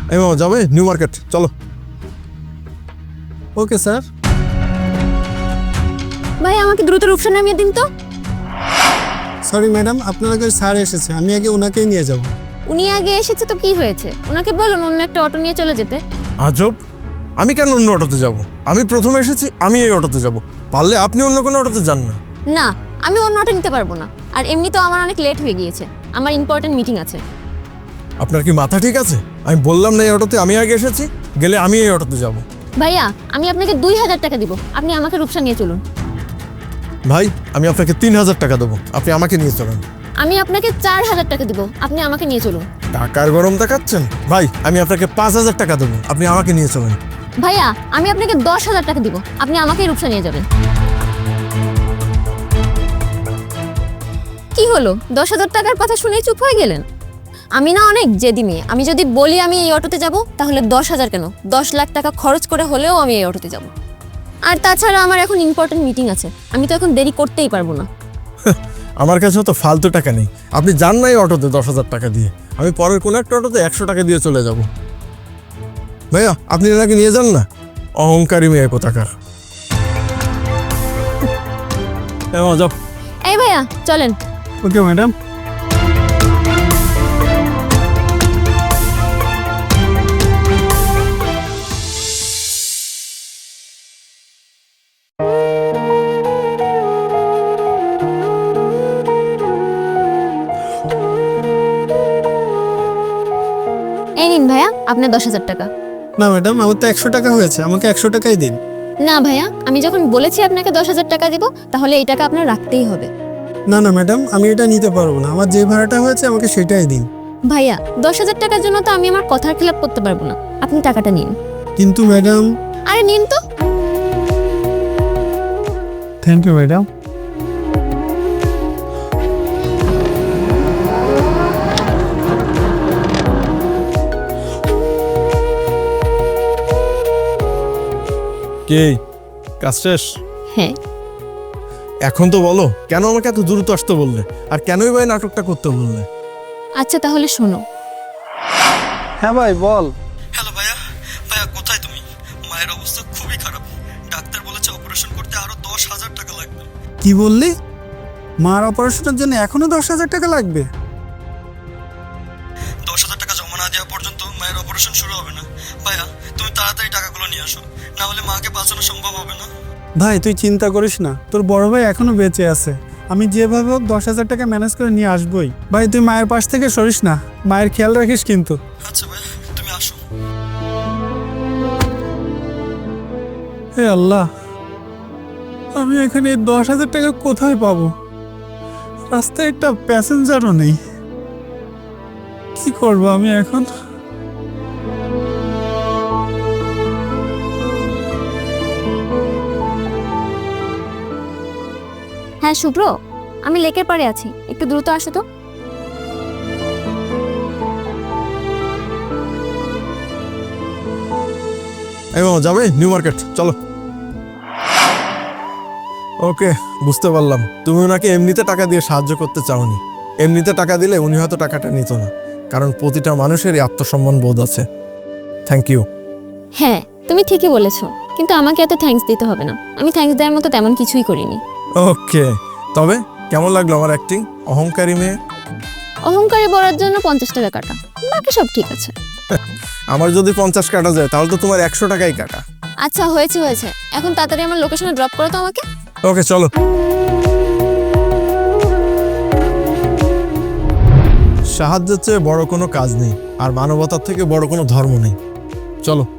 এই মামা যাবে নিউ মার্কেট, চলো। Okay sir. ভাই আমাকে দ্রুত রূপসা নামিয়ে দিন তো। সরি ম্যাডাম, আপনার আগে স্যার এসেছে, আমি আগে ওনাকেই নিয়ে যাব। উনি আগে এসেছে তো কি হয়েছে, ওনাকে বলুন অন্য একটা অটো নিয়ে চলে যেতে। আজব, আমি কেন অন্য অটোতে যাব? আমি প্রথমে এসেছি, আমি এই অটোতে যাব। পারলে আপনি অন্য কোনো অটোতে যান না। না, আমি অন্য অটো নিতে পারবো না। আর এমনি তো আমার অনেক লেট হয়ে গিয়েছে, আমার ইম্পর্টেন্ট মিটিং আছে। আপনার কি মাথা ঠিক আছে? আমি বললাম না এই অটোতে আমি আগে এসেছি, গেলে আমি এই অটোতে যাব। ভাইয়া আমি আপনাকে 2000 টাকা দিব, আপনি আমাকে রূপসা নিয়ে চলুন। ভাই আমি আপনাকে 3000 টাকা দেবো, আপনি আমাকে নিয়ে চলেন। আমি আপনাকে 4000 টাকা দিব, আপনি আমাকে নিয়ে চলুন। টাকার গরম দেখাচ্ছেন? ভাই আমি আপনাকে 5000 টাকা দেবো, আপনি আমাকে নিয়ে চলেন। ভাইয়া আমি আপনাকে 10,000 টাকা দিব, আপনি আমাকে রূপসা নিয়ে যাবেন। কি হলো, 10,000 টাকার কথা শুনেই চুপ হয়ে গেলেন? আমি না অনেক জেদি মেয়ে, আমি যদি বলি আমি এই অটোতে যাব তাহলে 10,000 কেন 10 লাখ টাকা খরচ করে হলেও আমি এই অটোতে যাব। আর তাছাড়া আমার এখন ইম্পর্টেন্ট মিটিং আছে, আমি তো এখন দেরি করতেই পারবো না। আমার কাছেও তো ফালতু টাকা নেই, আপনি যান না এই অটোতে 10,000 টাকা দিয়ে, আমি পরের কোনো একটা অটোতে 100 টাকা দিয়ে চলে যাব। ভাইয়া আপনি এনাকে নিয়ে যান না, অহংকারী মেয়ে কোথাকার। যাও। এই ভাইয়া চলেন। Okay madam. এই নিন ভাইয়া আপনার 10,000 টাকা। না ম্যাডাম, আমার তো 100 টাকা হয়েছে, আমাকে 100 টাকাই দিন। না ভাইয়া, আমি যখন বলেছি আপনাকে 10,000 টাকা দিব তাহলে এই টাকা আপনার রাখতেই হবে। না না ম্যাডাম, আমি এটা নিতে পারবো না, আমার যে ভাড়াটা হয়েছে আমাকে সেটাই দিন। ভাইয়া 10,000 টাকার জন্য তো আমি আমার কথার খেলাপ করতে পারবো না, আপনি টাকাটা নিন। কিন্তু ম্যাডাম। আরে নিন তো। Thank you madam. কে কাজ শেষ? হ্যাঁ। এখন তো বলো কেন আমাকে এত দ্রুত আসতে বললে, আর কেনই ভাই নাটকটা করতে বললে? আচ্ছা তাহলে শোনো। হ্যাঁ ভাই বল। হ্যালো ভাইয়া, ভাইয়া কোথায় তুমি? মায়ের অবস্থা খুবই খারাপ, ডাক্তার বলেছে অপারেশন করতে আরো 10,000 টাকা লাগবে। কি বললি? মার অপারেশনের জন্য এখনো 10,000 টাকা লাগবে? 10,000 টাকা জমা না দেওয়া পর্যন্ত মায়ের অপারেশন শুরু হবে না। ভাইয়া তুমি তাড়াতাড়ি টাকাগুলো নিয়ে আসো, না হলে মাকে বাঁচানো সম্ভব হবে না। ভাই তুই চিন্তা করিস না, তোর বড় ভাই এখনো বেঁচে আছে, আমি যেভাবে হোক 10,000 টাকা ম্যানেজ করে নিয়ে আসবোই। ভাই তুই মায়ের পাশ থেকে সরিস না, মায়ের খেয়াল রাখিস কিন্তু। আচ্ছা ভাইয়া তুমি আসো। হে আল্লাহ, আমি এখানে এই 10,000 টাকা কোথায় পাবো? রাস্তায় একটা প্যাসেঞ্জারও নেই, কি করবো আমি এখন? হ্যাঁ শুভ্র, আমি লেকের পাড়ে আছি, একটু দ্রুত আসো তো। এই মামা যাবে নিউ মার্কেট, চলো। ওকে বুঝতে পারলাম, তুমি ওনাকে এমনিতে টাকা দিয়ে সাহায্য করতে চাওনি। এমনিতে টাকা দিলে উনি হয়তো টাকাটা নিত না, কারণ প্রতিটা মানুষেরই আত্মসম্মান বোধ আছে। Thank you. হ্যাঁ তুমি ঠিকই বলেছো, কিন্তু আমাকে এত থ্যাঙ্কস দিতে হবে না, আমি থ্যাঙ্কস দেওয়ার মতো তেমন কিছুই করিনি। ওকে, তবে কেমন লাগলো আমার অ্যাক্টিং? অহংকারী মেয়ে। অহংকারী বলার জন্য 50 টাকা কাটা, বাকি সব ঠিক আছে। আমার যদি 50 কাটা যায় তাহলে তো তোমার 100 টাকাই কাটা। আচ্ছা হয়েছে হয়েছে, এখন তাড়াতাড়ি আমার লোকেশনে ড্রপ করো তো আমাকে। ওকে চলো। সাহায্যের চেয়ে বড় কোনো কাজ নেই, আর মানবতার থেকে বড় কোনো ধর্ম নেই। চলো।